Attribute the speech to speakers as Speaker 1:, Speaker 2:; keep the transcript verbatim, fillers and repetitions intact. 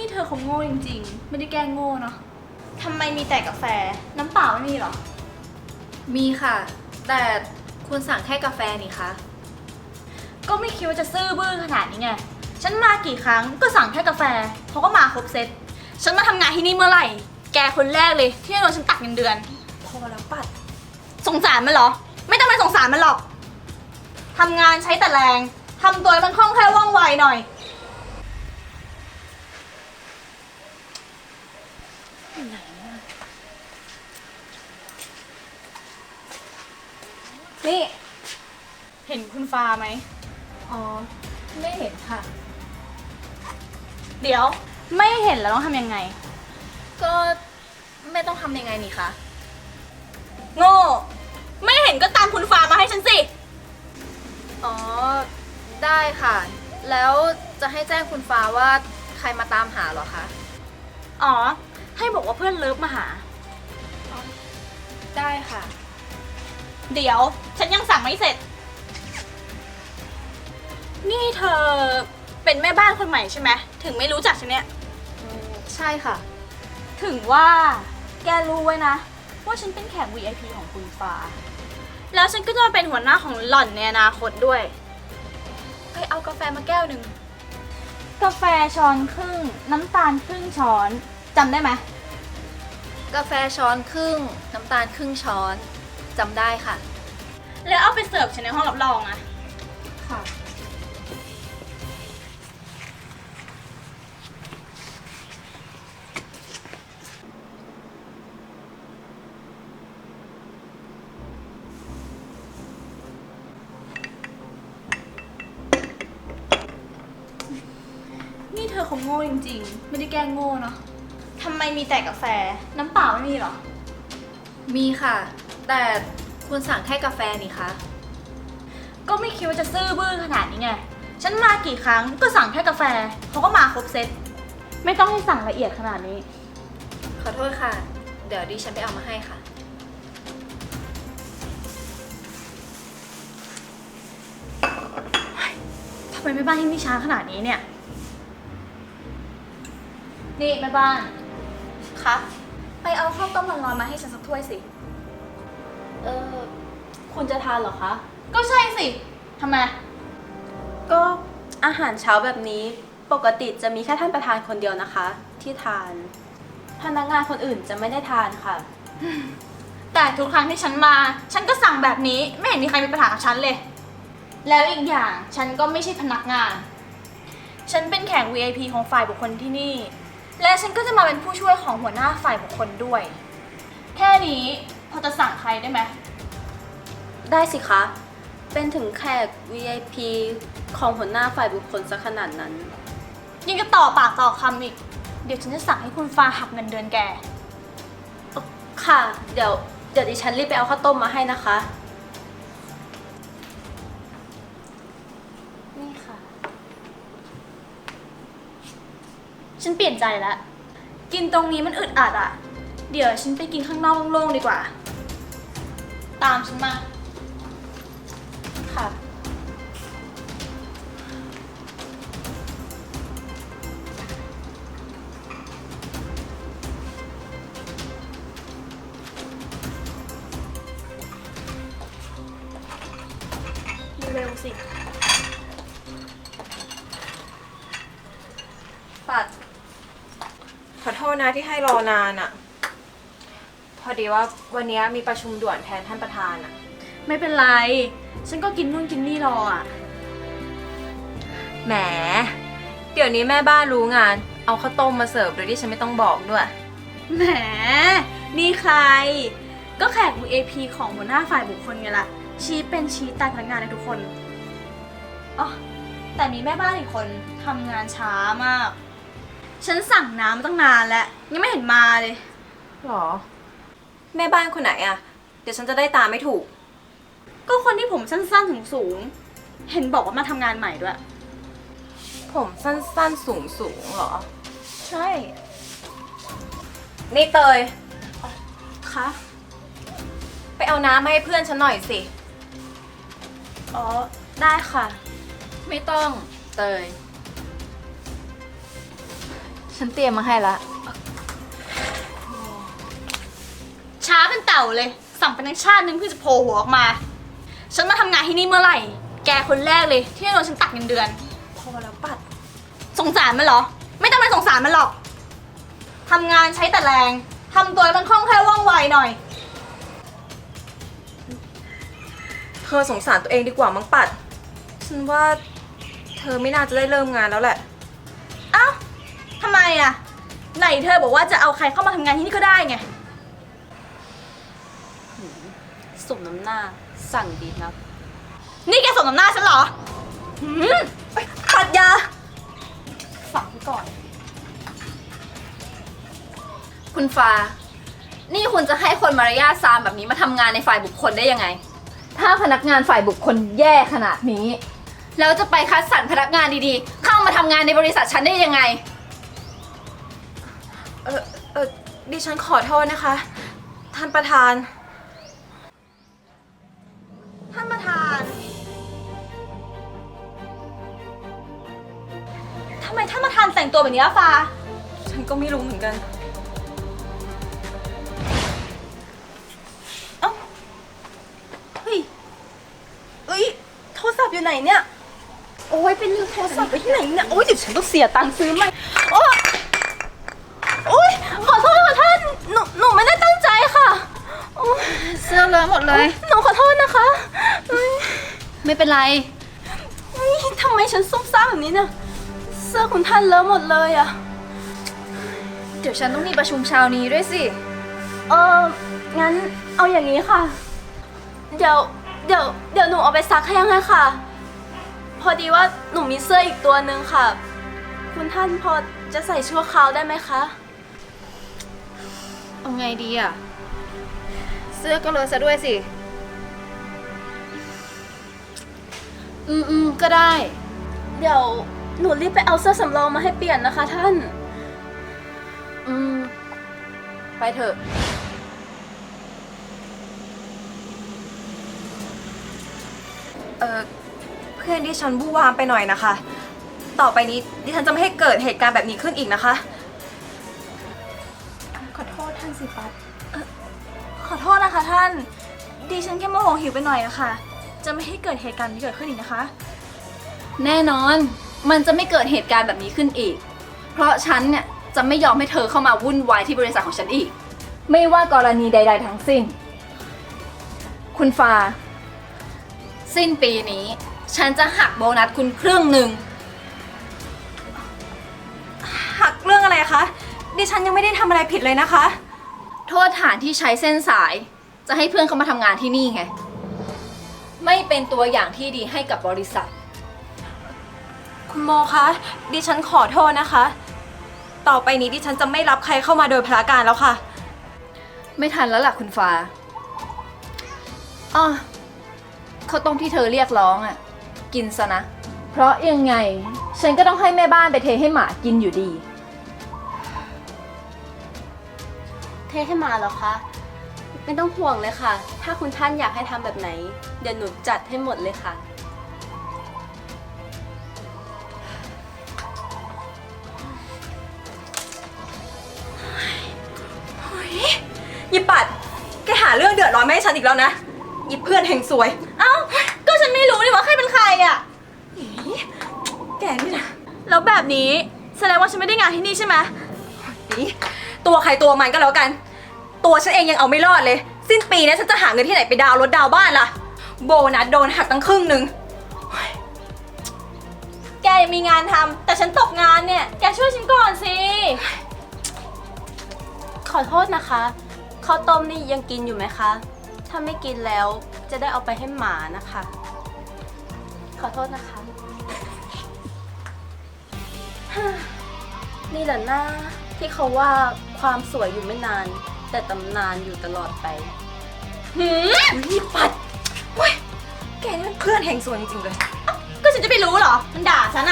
Speaker 1: นี่เธอคงโง่จริงๆไม่ได้แกล้งโง่เนาะทำไมมีแต่กาแฟน้ำเปล่าไม่มีหรอ
Speaker 2: มีค่ะแต่คุณสั่งแค่กาแฟนี่คะ
Speaker 1: ก็ไม่คิดว่าจะซื่อบื้อขนาดนี้ไงฉันมากี่ครั้งก็สั่งแค่กาแฟเขาก็มาครบเซตฉันมาทำงานที่นี่เมื่อไหร่แกคนแรกเลยที่โดนฉันตัดเงินเดือน
Speaker 2: พอแล้วปัด
Speaker 1: สงสารมันเหรอไม่ต้องไปสงสารมันหรอกทำงานใช้แต่แรงทำตัวมันคล่องแคล่วว่องไวหน่อยนี่เห็นคุณฟ้าไหม
Speaker 2: อ๋อไม่เห็นค่ะ
Speaker 1: เดี๋ยวไม่เห็นแล้วต้องทำยังไง
Speaker 2: ก็ไม่ต้องทำยังไงนี่คะ
Speaker 1: โง่ไม่เห็นก็ตามคุณฟ้ามาให้ฉันสิ
Speaker 2: อ๋อได้ค่ะแล้วจะให้แจ้งคุณฟ้าว่าใครมาตามหาเหรอคะ
Speaker 1: อ๋อให้บอกว่าเพื่อนเลิฟมาหา
Speaker 2: ได้ค่ะ
Speaker 1: เดี๋ยวฉันยังสั่งไม่เสร็จนี่เธอเป็นแม่บ้านคนใหม่ใช่ไหมถึงไม่รู้จักฉันเนี่ย
Speaker 2: ใช่ค่ะ
Speaker 1: ถึงว่าแกรู้ไว้นะว่าฉันเป็นแขก วี ไอ พี ของคุณฟ้าแล้วฉันก็จะมาเป็นหัวหน้าของหล่อนในอนาคตด้วยไปเอากาแฟมาแก้วหนึ่งกาแฟช้อนครึ่งน้ำตาลครึ่งช้อนจำได้ไหม
Speaker 2: กาแฟช้อนครึ่งน้ำตาลครึ่งช้อนจำได้ค่ะ
Speaker 1: แล้วเอาไปเสิร์ฟฉันในห้องรับรองอะ
Speaker 2: ค่ะ
Speaker 1: นี่เธอคงโง่จริงๆไม่ได้แกล้งโง่เนาะทำไมมีแต่กาแฟน้ำเปล่าไม่มีหรอ
Speaker 2: มีค่ะแต่คุณสั่งแค่กาแฟนี่คะ
Speaker 1: ก็ไม่คิดว่าจะซื่อบื้อขนาดนี้ไงฉันมากี่ครั้งก็สั่งแค่กาแฟเขาก็มาครบเซตไม่ต้องให้สั่งละเอียดขนาดนี้
Speaker 2: ขอโทษค่ะเดี๋ยวดิฉันไปเอามาให้ค่ะ
Speaker 1: ทำไมแม่บ้านที่นี่ช้าขนาดนี้เนี่ยนี่แม่บ้านคะไปเอาข้าวต้มร้อนๆมาให้ฉันสักถ้วยสิ
Speaker 2: เออคุณจะทานเหรอคะ
Speaker 1: ก็ใช่สิทำไม
Speaker 3: ก็อาหารเช้าแบบนี้ปกติจะมีแค่ท่านประธานคนเดียวนะคะที่ทานพนักงานคนอื่นจะไม่ได้ทานค่ะ
Speaker 1: แต่ทุกครั้งที่ฉันมาฉันก็สั่งแบบนี้ไม่เห็นมีใครมีปัญหากับฉันเลยแล้วอีกอย่างฉันก็ไม่ใช่พนักงานฉันเป็นแขก วี ไอ พี ของฝ่ายบุคคลที่นี่และฉันก็จะมาเป็นผู้ช่วยของหัวหน้าฝ่ายบุคคลด้วยแค่นี้พอจะสั่งใครได้ไหม
Speaker 3: ได้สิคะเป็นถึงแขก วี ไอ พี ของหัวหน้าฝ่ายบุคคลซะขนาดนั้น
Speaker 1: ยังจะต่อปากต่อคำอีกเดี๋ยวฉันจะสั่งให้คุณฟ้าหักเงินเดือนแก
Speaker 3: ค่ะเดี๋ยวเดี๋ยวดิฉันรีบไปเอาข้าวต้มมาให้นะคะนี่ค่ะ
Speaker 1: ฉันเปลี่ยนใจแล้วกินตรงนี้มันอึดอัดอ่ะเดี๋ยวฉันไปกินข้างนอกโล่งๆดีกว่าตามฉันมา
Speaker 3: ค่ะ
Speaker 1: เร็วสิ
Speaker 4: ปัดขอโทษนะที่ให้รอนานอะพอดีว่าวันนี้มีประชุมด่วนแทนท่านประธานอะ
Speaker 1: ไม่เป็นไรฉันก็กินนู่นกินนี่รออ่ะ
Speaker 4: แหมเดี๋ยวนี้แม่บ้านรู้งานเอาข้าวต้มมาเสิร์ฟโดยที่ฉันไม่ต้องบอกด้วย
Speaker 1: แหมนี่ใครก็แขก วี ไอ พี ของหัวหน้าฝ่ายบุคคลไงล่ะชี้เป็นชี้ตายพนักงานในทุกคนอ๋อแต่มีแม่บ้านอีกคนทำงานช้ามากฉันสั่งน้ำมาตั้งนานแล้วยังไม่เห็นมาเลย
Speaker 4: หรอแม่บ้านคนไหนอะเดี๋ยวฉันจะได้ตามไม่ถูก
Speaker 1: ก็คนที่ผมสั้นๆสูงๆเห็นบอกว่ามาทำงานใหม่ด้วย
Speaker 4: ผมสั้นๆสูงๆหรอ
Speaker 1: ใช่
Speaker 4: นี่เตย
Speaker 1: คะ
Speaker 4: ไปเอาน้ำมาให้เพื่อนฉันหน่อยสิ
Speaker 1: อ๋อได้ค่ะ
Speaker 2: ไม่ต้องเตยฉันเตรียมมาให้ละ
Speaker 1: ช้าเป็นเต่าเลย สั่งเป็นทั้งชาตินึงเพื่อจะโผล่หัวออกมา ฉันมาทำงานที่นี่เมื่อไหร่ แกคนแรกเลยที่จะโดนฉันตัดเงินเดือน
Speaker 4: พอแล้วปัด
Speaker 1: สงสารมันเหรอ ไม่ต้องไปสงสารมันหรอก ทำงานใช้แต่แรง ทำตัวให้มันคล่องแคล่วว่องไวหน่อย
Speaker 4: เธอสงสารตัวเองดีกว่ามั้งปัด ฉันว่าเธอไม่น่าจะได้เริ่มงานแล้วแหละ
Speaker 1: เอ้าทำไมอะไหนเธอบอกว่าจะเอาใครเข้ามาทำงานที่นี่ก็ได้ไง
Speaker 3: สมน้ำหน้าสั่งดีนัก
Speaker 1: นี่แกสมน้ำหน้าฉันเหรอหืม
Speaker 4: ปัดยา
Speaker 1: ฝังไว้ก่อน
Speaker 2: คุณฟ้า นี่คุณจะให้คนมารยาทซามแบบนี้มาทำงานในฝ่ายบุคคลได้ยังไง ถ้าพนักงานฝ่ายบุคคลแย่ขนาดนี้ แล้วจะไปคัดสรรพนักงานดีๆ เข้ามาทำงานในบริษัทฉันได้ยังไง
Speaker 4: เออเออดิฉันขอโทษนะคะ ท่านประธาน
Speaker 1: ท่านประธาน ทำไมท่านประธานแต่งตัวแบบนี้อะฟ้า
Speaker 4: ฉันก็ไม่รู้เหมือนกัน
Speaker 3: เอ้า เฮ้ย เอ้ย โทรศัพท์อยู่ไหนเนี่ย โอ้ยเป็นลืมโทรศัพท์ไปที่ไหนเนี่ย โอ้ยเดี๋ยวฉันต้องเสียตังค์ซื้อใหม่โอ้ยโอ้ยขอโทษค่ะท่าน หนู หนูไม่ได้ตั้งใจค่ะโอ๊ย
Speaker 2: เสื้อเลอะหมดเลย
Speaker 3: หนูขอโทษนะคะเอ้ย
Speaker 2: ไม่เป็นไร
Speaker 3: เฮ้ยทำไมฉันซุ่มซ่ามแบบนี้เนี่ย เสื้อคุณท่านเลอะหมดเลยอะ
Speaker 2: เดี๋ยวฉันต้องมีประชุมเช้านี้ด้วยสิ
Speaker 3: เอองั้นเอาอย่างนี้ค่ะ เดี๋ยว เดี๋ยว เดี๋ยวหนูเอาไปซักให้ยังไงค่ะ พอดีว่าหนูมีเสื้ออีกตัวหนึ่งค่ะ คุณท่านพอจะใส่ชั่วคราวได้ไหมคะ
Speaker 2: เอาไงดีอ่ะ เสื้อก็เลอะซะด้วยสิ อืมอืมก็ได้
Speaker 3: เดี๋ยวหนูรีบไปเอาเสื้อสำรองมาให้เปลี่ยนนะคะท่าน
Speaker 2: อืม ไปเถอะ
Speaker 4: เออเพื่อนดิฉันบู้วามไปหน่อยนะคะ ต่อไปนี้ดิฉันจะไม่ให้เกิดเหตุการณ์แบบนี้ขึ้นอีกนะคะ
Speaker 3: ขอโทษท่านสิปัด
Speaker 1: ขอโทษนะคะท่าน ดิฉันแค่โมโหหิวไปหน่อยอะค่ะ จะไม่ให้เกิดเหตุการณ์นี้เกิดขึ้นอีกนะคะ
Speaker 2: แน่นอน มันจะไม่เกิดเหตุการณ์แบบนี้ขึ้นอีก เพราะฉันเนี่ยจะไม่ยอมให้เธอเข้ามาวุ่นวายที่บริษัทของฉันอีก ไม่ว่ากรณีใด ๆ ทั้งสิ้น คุณฟ้า สิ้นปีนี้ ฉันจะหักโบนัสคุณครึ่งหนึ่ง
Speaker 4: หักเรื่องอะไรคะ ดิฉันยังไม่ได้ทำอะไรผิดเลยนะคะ
Speaker 2: โทษฐานที่ใช้เส้นสาย จะให้เพื่อนเขามาทำงานที่นี่ไง ไม่เป็นตัวอย่างที่ดีให้กับบริษัท
Speaker 4: คุณโมคะ ดิฉันขอโทษนะคะ ต่อไปนี้ดิฉันจะไม่รับใครเข้ามาโดยพลการแล้วค่ะ
Speaker 2: ไม่ทันแล้วล่ะคุณฟ้าอ้อข้าวต้มที่เธอเรียกร้องอ่ะ กินซะนะ เพราะยังไง ฉันก็ต้องให้แม่บ้านไปเทให้หมากินอยู่ดี
Speaker 3: เทให้มาเหรอคะ ไม่ต้องห่วงเลยค่ะ ถ้าคุณท่านอยากให้ทำแบบไหน เดี๋ยวหนูจัดให้หมดเลยค่ะ
Speaker 4: ยิปัด แกหาเรื่องเดือดร้อนมาให้ฉันอีกแล้วนะยิเพื่อนแห่งสวย
Speaker 1: เอ้า ก็ฉันไม่รู้นี่ว่าใครเป็นใครอะ
Speaker 4: แกนี่นะ
Speaker 1: แล้วแบบนี้แสดงว่าฉันไม่ได้งานที่นี่ใช่ไหม
Speaker 4: นี่ตัวใครตัวมันก็แล้วกัน ตัวฉันเองยังเอาไม่รอดเลย สิ้นปีนี้ฉันจะหาเงินที่ไหนไปดาวน์รถดาวน์บ้านล่ะ โบนัสโดนหักตั้งครึ่งหนึ่ง
Speaker 1: แกยังมีงานทำแต่ฉันตกงานเนี่ย แกช่วยฉันก่อนสิ
Speaker 3: ขอโทษนะคะ ข้าวต้มนี่ยังกินอยู่ไหมคะ ถ้าไม่กินแล้วจะได้เอาไปให้หมานะคะ ขอโทษนะคะ นี่แหละหน้าที่เขาว่าความสวยอยู่ไม่นาน แต่ตำนานอยู่ตลอดไป
Speaker 1: หืม
Speaker 4: ยิปัดเว้ยแกนี่มันเพื่อนแห่งสวยจริงๆเลย
Speaker 1: ก็ฉันจะไปรู้เหรอ มันด่าฉัน